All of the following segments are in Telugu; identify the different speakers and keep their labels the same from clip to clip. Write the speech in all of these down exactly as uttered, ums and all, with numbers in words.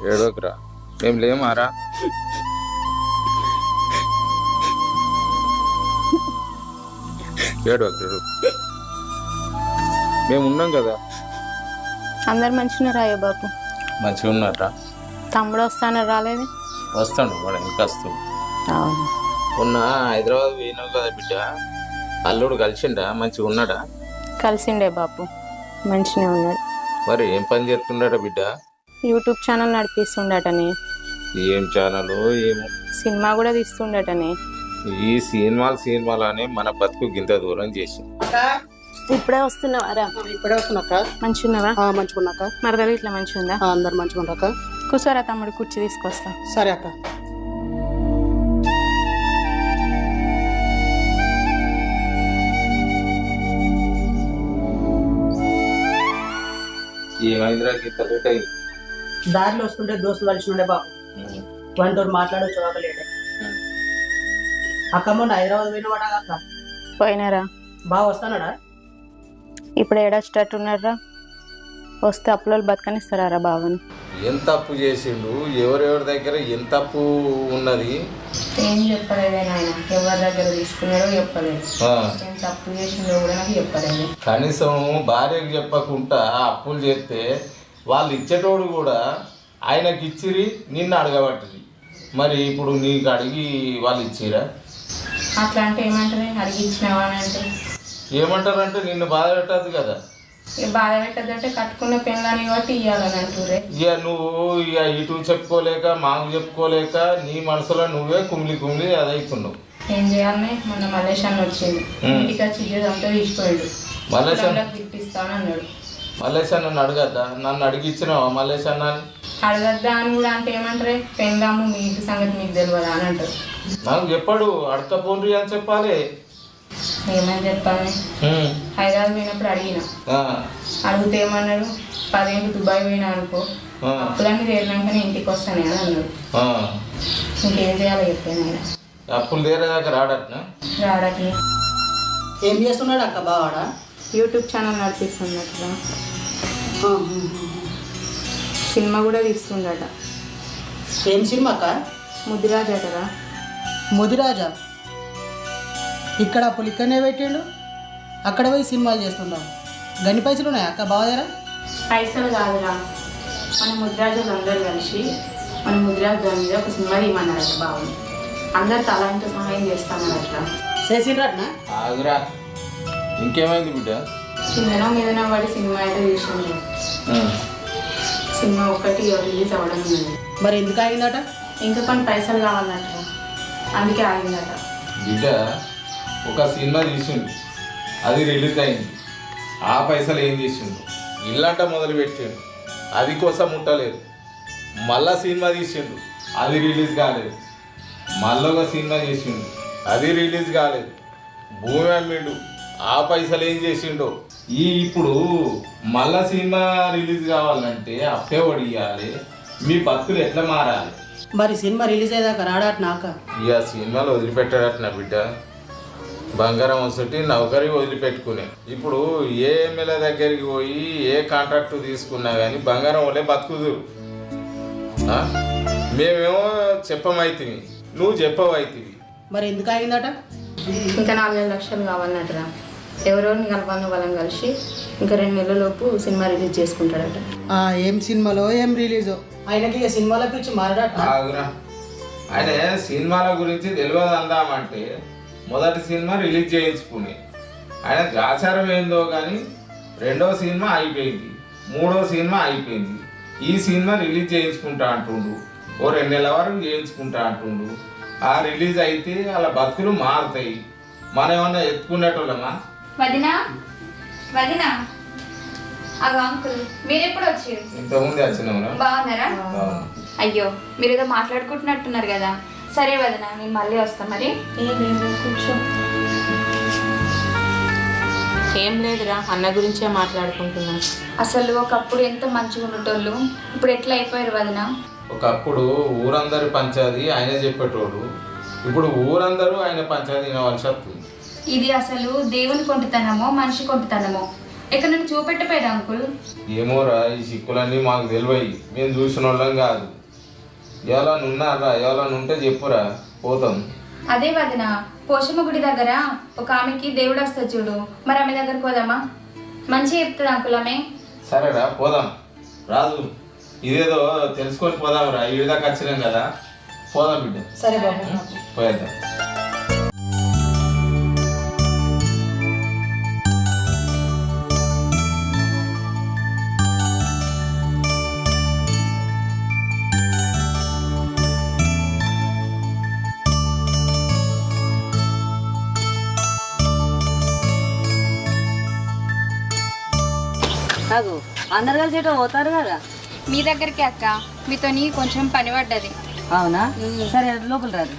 Speaker 1: ఏడోకరా మేము లేమారా ఏడోకరు మేము ఉన్నాం కదా.
Speaker 2: అందరు మంచిగా రాయో బాపు.
Speaker 1: మంచిగా ఉన్నారా?
Speaker 2: తమ్ముడు వస్తాను రాలేదు.
Speaker 1: వస్తాడు వాడు ఇంకా వస్తాడు.
Speaker 2: అవును
Speaker 1: మొన్న హైదరాబాద్ పోయినావు కదా బిడ్డ, అల్లుడు కలిసిండా? మంచిగా ఉన్నాడా?
Speaker 2: కలిసిండే బాపు, మంచిగా ఉన్నాడు.
Speaker 1: మరి ఏం పని చేస్తున్నాడా బిడ్డ?
Speaker 2: యూట్యూబ్ ఛానల్ నడిపిస్తుండటనే.
Speaker 1: ఏం ఛానల్ ఏమో.
Speaker 2: సినిమా కూడా తీస్తుండటనే.
Speaker 1: ఈ సినిమాలు సినిమాలు అని మన బతుకు గింత దూరం చేసి.
Speaker 2: ఇప్పుడే వస్తున్నావారా?
Speaker 3: ఇప్పుడే వస్తున్నాక.
Speaker 2: మంచిగున్నావా?
Speaker 3: మంచిగున్నాక.
Speaker 2: మరదలు ఇట్లా మంచిగా ఉందా?
Speaker 3: అందరు మంచిగా ఉన్నాక.
Speaker 2: కూర్చోరా తమ్ముడు, కుర్చీ తీసుకొస్తా.
Speaker 3: సరే అక్క.
Speaker 1: ఏమైందిరా గీత లేట్ అయింది?
Speaker 3: దారిలో వస్తుంటే దోస్తులు కలిసి ఉండే బాబు, వంటో మాట్లాడవచ్చు లేటే. అక్క మొన్న హైదరాబాద్ పోయినవాడా అక్క?
Speaker 2: పోయినారా?
Speaker 3: బాగా వస్తానడా?
Speaker 2: ఇప్పుడు ఏడొచ్చేటట్టు ఉన్నారా? వస్తే అప్పులో బతకనిస్తారా బావని?
Speaker 1: ఎంత అప్పు చేసిండు, ఎవరెవరి దగ్గర ఎంత అప్పు ఉన్నది
Speaker 2: ఏం చెప్పలేదు ఆయన. ఎవరి దగ్గర తీసుకున్నాడో చెప్పలేదు, ఎంత అప్పు చేసిండో కూడా నాకు చెప్పలేదు.
Speaker 1: కనీసం భార్యకు చెప్పకుండా అప్పులు చేస్తే వాళ్ళు ఇచ్చేటోడు కూడా ఆయనకి ఇచ్చిరి, నిన్ను అడగబట్టిరి. మరి ఇప్పుడు నీకు అడిగి వాళ్ళు ఇచ్చిరా?
Speaker 2: అట్లా అంటే ఏమంటారు? అడిగి ఇచ్చినావా అని అంటే
Speaker 1: ఏమంటారంటే నిన్ను బాధ పెట్టద్దు కదా.
Speaker 2: ఇక బాధ పెట్టద్దంటే కట్టుకున్న పెళ్ళని కాబట్టి ఇవ్వాలని అంటురే.
Speaker 1: ఇక నువ్వు ఇక ఇటు చెప్పుకోలేక మాకు చెప్పుకోలేక నీ మనసులో నువ్వే కుమిలి కుమిలి అదైతున్నావు.
Speaker 2: ఏం చేయాలని? మొన్న మల్లేష్ అన్న వచ్చింది, ఇంటికి వచ్చి ఇచ్చేదంతా తీసిపోయాడు.
Speaker 1: మల్లేష్ అన్న
Speaker 2: తిప్పిస్తాను అన్నాడు.
Speaker 1: మల్లేష్ అన్న అడగద్దా? నన్ను అడిగిచ్చినావా మల్లేష్ అన్న?
Speaker 2: అడగద్దా అని కూడా అంటే ఏమంటారే? పెళ్ళాము మీ ఇంటి సంగతి మీకు తెలియదా అని అంటారు.
Speaker 1: నాకు చెప్పాడు అడకపోండ్రి అని చెప్పాలి.
Speaker 2: ఏమని చెప్పాలి? హైదరాబాద్ పోయినప్పుడు అడిగిన, అడిగితే ఏమన్నాడు? పదేళ్ళు దుబాయ్ పోయినా అనుకో, అప్పులన్నీ తీరినాకనే ఇంటికి వస్తాను అని అన్నాడు. ఇంకేం చేయాలో చెప్పాను ఆయన.
Speaker 1: అప్పులు తీరేదాకా రాడట్నా?
Speaker 2: రాడట్లే.
Speaker 3: ఏం చేస్తున్నాడు అక్క బావాడా?
Speaker 2: యూట్యూబ్ ఛానల్ నడిపిస్తున్నట్టుగా, సినిమా కూడా తీస్తుండట.
Speaker 3: ఏం సినిమా అక్క?
Speaker 2: ముదిరాజా కదా.
Speaker 3: ముదిరాజా? ఇక్కడ అప్పులు ఇక్కడనే పెట్టిండు, అక్కడ పోయి సినిమాలు చేస్తున్నావు. గన్ని పైసలు ఉన్నాయా అక్క బావ దగ్గర?
Speaker 2: పైసలు కాదురా, మన ముదిరాజులు అందరూ కలిసి మన ముదిరాజు దాని మీద ఒక సినిమా తీయమన్నారట బాబు. అందరు తలాంటి సహాయం చేస్తామన్నట్లా.
Speaker 3: చేసిండ్రట్నా?
Speaker 1: ఆగురా, ఇంకేమైంది బిడ్డ?
Speaker 2: కిందనో మీదనో పడి సినిమా అయితే చూసింది. సినిమా ఒక్కటి రిలీజ్ అవ్వడం ఉన్నది.
Speaker 3: మరి ఎందుకు ఆగిందట?
Speaker 2: ఇంకా కొన్ని పైసలు కావాలన్నట్ట, అందుకే ఆగిందట.
Speaker 1: బిడ్డ ఒక సినిమా తీసిండు, అది రిలీజ్ అయింది. ఆ పైసలు ఏం చేసిండు? ఇల్లంట మొదలు పెట్టిండు, అది కోసం ముట్టలేదు. మళ్ళా సినిమా తీసిండు, అది రిలీజ్ కాలేదు. మళ్ళీ ఒక సినిమా చేసిండు, అది రిలీజ్ కాలేదు. భూమి అమ్మిండు, ఆ పైసలు ఏం చేసిండో. ఈ ఇప్పుడు మళ్ళా సినిమా రిలీజ్ కావాలంటే అప్పే వడియాలి. మీ బతుకులు ఎట్లా మారాలి?
Speaker 3: మరి సినిమా రిలీజ్ అయ్యేదాకా రాడట్నా అక్క?
Speaker 1: ఇక సినిమాలు వదిలిపెట్టాడట బిడ్డ. బంగారం వసటి నౌకరి వదిలిపెట్టుకునే. ఇప్పుడు ఏ ఎమ్మెల్యే దగ్గరికి పోయి ఏ కాంట్రాక్టు తీసుకున్నా కానీ బంగారం వల్లే బతుకుదురు. మేమేమో చెప్పమైతివి, నువ్వు చెప్పవైతివి.
Speaker 3: మరి ఎందుకు ఆగిందట?
Speaker 2: ఇంకా నాలుగైదు లక్షలు కావాలన్నట్టురా. ఎవరెవరిని కలపాలని వాళ్ళని కలిసి ఇంకా రెండు నెలల లోపు సినిమా రిలీజ్ చేసుకుంటాడట.
Speaker 3: ఏం సినిమాలో ఏం రిలీజో ఆయనకి ఇక సినిమాల పిచ్చి మారడట.
Speaker 1: ఆయన సినిమాల గురించి తెలియదు అందామంటే మొదటి సినిమా రిలీజ్ చేయించుకుని ఆయన ఆచారం ఏందో కానీ రెండో సినిమా అయిపోయింది, మూడో సినిమా అయిపోయింది. ఈ సినిమా రిలీజ్ చేయించుకుంటా అంటుండు, ఓ రెండు నెలల వరకు చేయించుకుంటా అంటుండు. ఆ రిలీజ్ అయితే వాళ్ళ బతుకులు మారుతాయి. మనం ఏమన్నా ఎత్తుకునేటోళ్ళమా?
Speaker 4: వదినా వదినా అగో అంకుల్ మీరు ఎప్పుడు వచ్చారు?
Speaker 1: ఇంతకుముందు వచ్చినాము.
Speaker 4: బాగున్నారా? అయ్యో మీరు ఏదో మాట్లాడుకుంటున్నట్టున్నారు కదా. సరే వదినా, నేను మళ్ళీ వస్తాను. మరి
Speaker 2: కూర్చో. ఏం లేదురా, అన్న గురించే మాట్లాడుకుంటున్నా.
Speaker 4: అసలు ఒకప్పుడు ఎంత మంచిగా ఉండేటోళ్ళు, ఇప్పుడు ఎట్లా అయిపోయారు వదినా?
Speaker 1: ఒకప్పుడు ఊరందరి పంచాది ఆయన చెప్పేటోడు, ఇప్పుడు ఊరందరూ ఆయన పంచాది వినవలసి వస్తుంది.
Speaker 4: ఇది అసలు దేవుని కొంటుతనమో మనిషి కొంటుతనమో ఇక్కడ నన్ను చూపెట్టపోయేది అంకుల్.
Speaker 1: ఏమోరా ఈ సిక్కులన్నీ మాకు తెలివయి, మేము చూసిన వాళ్ళం కాదు. ఎవరైనా ఉన్నారా? ఎవరైనా ఉంటే చెప్పురా, పోతాం.
Speaker 4: అదే వదిన, పోషమ్మ గుడి దగ్గర ఒక ఆమెకి దేవుడు వస్తుంది చూడు, మరి ఆమె దగ్గరకు పోదామా? మంచిగా చెప్తుంది అంకుల్ ఆమె.
Speaker 1: సరేరా పోదాం. రాజు ఇదేదో తెలుసుకొని పోదాం రా, ఈ దాకా వచ్చినాం కదా, పోదాం బిడ్డ.
Speaker 3: సరే బాబు.
Speaker 1: పోయేద్దాం.
Speaker 5: నాకు అందరు కలిసి ఎటో పోతారు కదా.
Speaker 4: మీ దగ్గరికి అక్క, మీతోని కొంచెం పని పడ్డది.
Speaker 5: అవునా? సరే లోపల రాదు.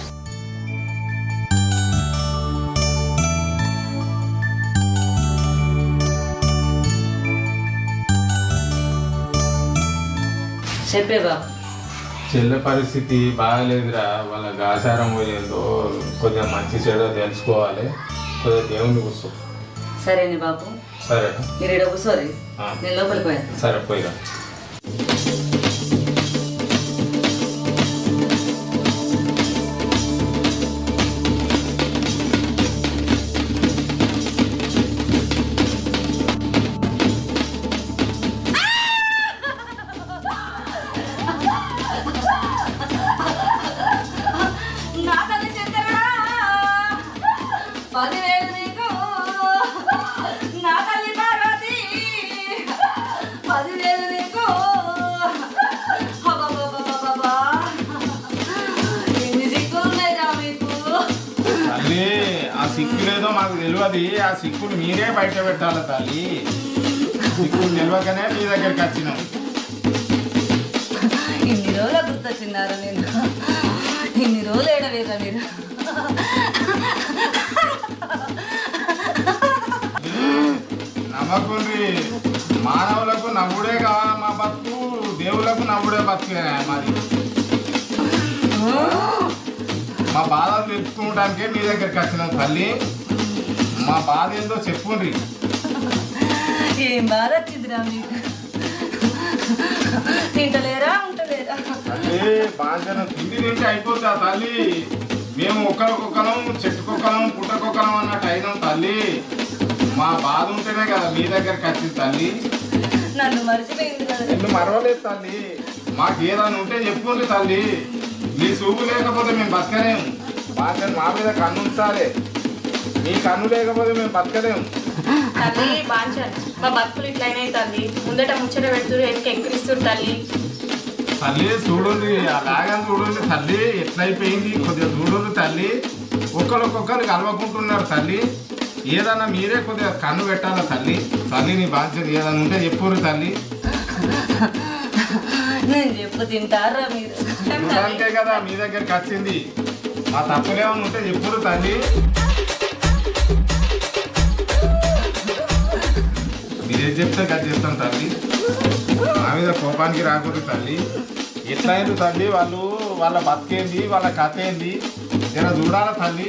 Speaker 5: చెప్పే బాబు.
Speaker 1: చెల్లె పరిస్థితి బాగాలేదురా, వాళ్ళ ఆచారం పోయిందో కొద్దిగా మంచి చెడో తెలుసుకోవాలి, కొద్దిగా దేవుని కూర్చో.
Speaker 5: సరేనే బాబు.
Speaker 1: సరే
Speaker 5: మీరు ఇక్కడ కూర్చోరి, నేను లోపలికి పోయాను.
Speaker 1: సరే పోయిరా.
Speaker 5: పదివేలు నీకు నా తల్లి పార్వతి, పదివేలు నీకు. అబ్బబ్బబ్బబ్బబ్బా, ఎన్ని సిక్కులు ఉన్నాయిరా మీకు.
Speaker 1: తల్లి ఆ సిక్కులేదో మాకు తెలియదు, ఆ సిక్కులు మీరే బయట పెట్టాలి తల్లి. సిక్కులు తెలియకనే మీ దగ్గరికి వచ్చినాం.
Speaker 5: ఇన్ని రోజులు గుర్తొచ్చినారు నేను, ఇన్ని రోజులు ఏడవేరా మీరు.
Speaker 1: నమ్మకుండ్రి, మానవులకు నవ్వుడే కావాలి మా బతుకు, దేవులకు నవ్వుడే బతుకే మాది. మా బాధలు తెలుసుకోవడానికే మీ దగ్గరికి వచ్చినాం తల్లి. మా బాధ ఏందో చెప్పుండ్రి.
Speaker 5: ఏం బాధ వచ్చిందిరా మీకు? తింటలేరా ఉంటలేరా?
Speaker 1: తల్లి బాధ్యత తిండి తింటే అయిపోతా తల్లి. మేము ఒకరికొకరం చెట్టుకొకరం పుట్టకొకరం అన్నట్టు అయినాం తల్లి. మా బాధ ఉంటేనే కదా మీ దగ్గరికి వచ్చింది తల్లి.
Speaker 5: నన్ను మర్చిపోయింది కదా.
Speaker 1: నిన్ను మరవలేదు తల్లి. మాకు ఏదైనా ఉంటే చెప్పుకోండి తల్లి. మీ చూపు లేకపోతే మేము బతకలేము. బాధ్యత మా మీద కన్ను ఉంచాలి. మీ కన్ను లేకపోతే మేము బతకలేము.
Speaker 2: తల్లి బాంచన్, మా బతుకులు ఇట్లయినాయి తల్లి. ముందట ముచ్చట పెడుతురు, వెనక ఎక్కిరిస్తురు తల్లి.
Speaker 1: తల్లి చూడండి, అలాగే చూడండి తల్లి, ఎట్లయిపోయింది కొద్దిగా చూడండి తల్లి. ఒక్కరికొక్కరు కలవకుంటున్నారు తల్లి. ఏదన్నా మీరే కొద్దిగా కన్ను పెట్టాలా తల్లి. తల్లి నీ బాధ్యత ఏదైనా ఉంటే చెప్పురు తల్లి.
Speaker 5: నేను చెప్పు తింటారా మీరు?
Speaker 1: అంతే కదా మీ దగ్గరికి వచ్చింది. మా తప్పులేమన్నా ఉంటే చెప్పురు తల్లి. మీరేం చెప్తే కదా చెప్తాను తల్లి. మా మీద కోపానికి రాకూడదు తల్లి. ఎట్లయింది తల్లి, వాళ్ళు వాళ్ళ బతికేంది, వాళ్ళ కథ ఏంది జర చూడాలా తల్లి.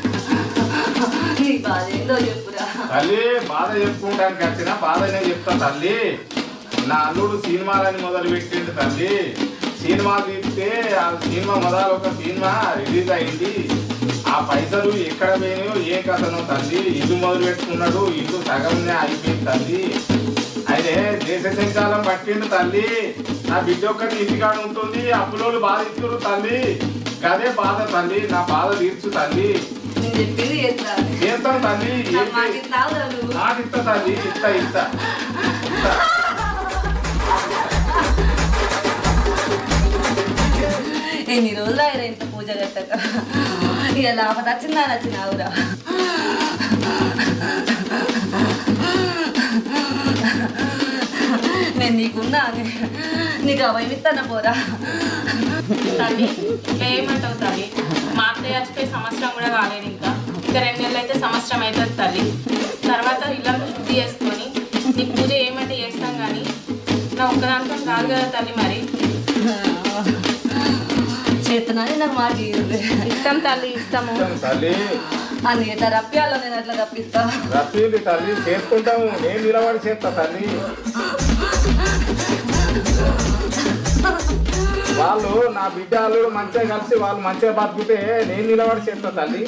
Speaker 5: నీ బాధ ఏందో చెప్పురా.
Speaker 1: తల్లి బాధ చెప్పుకోవడానికి వచ్చిన బాధనే చెప్తా తల్లి. నా అల్లుడు సినిమాలని మొదలు పెట్టిండు తల్లి. సినిమా తీస్తే ఆ సినిమా మొదలు ఒక సినిమా రిలీజ్ అయింది. ఆ పైసలు ఎక్కడ పోయినాయో ఏ కథనో తల్లి. ఇల్లు మొదలు పెట్టుకున్నాడు, ఇల్లు సగంనే అయిపోయింది తల్లి. అయితే దేశ సంచాలం పట్టిండు తల్లి. నా బిడ్డ ఒక్కటి ఇంటికాడ ఉంటుంది, అప్పులోళ్ళు బాధ ఇస్తున్నారు తల్లి. గదే బాధ తల్లి, నా బాధ తీర్చు తల్లి.
Speaker 5: నేను చెప్పింది చేస్తాను.
Speaker 1: చేస్తాను తల్లి. నాకు ఇస్తా తల్లి, ఇస్తా ఇస్తా ఇస్తా.
Speaker 5: ఎన్ని రోజులు ఆయన ఇంత పూజ కట్టక ఇక లాభత వచ్చిందా నచ్చినావురా. నేను నీకున్నా నీకు అవయమిస్తాను పోరా.
Speaker 2: తల్లి ఇట్లా ఏమంటావు తల్లి? మా అత్తయ్య చచ్చిపోయి సంవత్సరం కూడా కాలేదు, ఇంకా ఇంకా రెండు నెలలు అయితే సంవత్సరం అవుతుంది తల్లి. తర్వాత ఇల్లంతా శుద్ధి చేసుకొని నీకు పూజ ఏమంటే చేస్తాం కానీ నా ఒక్కదాంతో కాదు కదా తల్లి. మరి
Speaker 5: చేస్తున్నాను నాకు మాట
Speaker 2: ఇస్తాం తల్లి, ఇస్తాము
Speaker 1: తల్లి.
Speaker 5: అని ఎట్లా రప్పియాలో నేను అట్లా రప్పిస్తా.
Speaker 1: రప్పింది తల్లి, చేసుకుంటాము. నేను నిలబడి చేస్తా తల్లి. వాళ్ళు నా బిడ్డ అల్లుడు మంచిగా కలిసి వాళ్ళు మంచిగా బతుకుతే నేను నిలబడి చేస్తా తల్లి.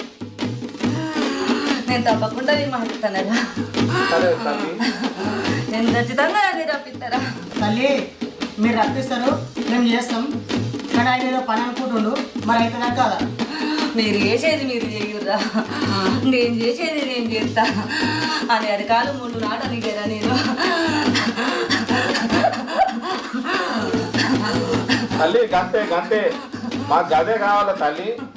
Speaker 5: నేను తప్పకుండా నీ మాట్లాడతానరా.
Speaker 1: సరే తల్లి.
Speaker 5: నేను ఖచ్చితంగా అది రప్పిస్తారా.
Speaker 3: తల్లి మీరు రప్పిస్తారు, మేము చేస్తాం. కానీ ఆయన ఏదో పని అనుకుంటుండు, మరి అవుతుందా కాదా?
Speaker 5: మీరు చేసేది మీరు చేయుర్రా, నేను చేసేది నేను చేస్తా అని అరకాలు మూడు నాటని కదా నేను.
Speaker 1: తల్లి గంతే గంతే, మాకు గదే కావాలా తల్లి.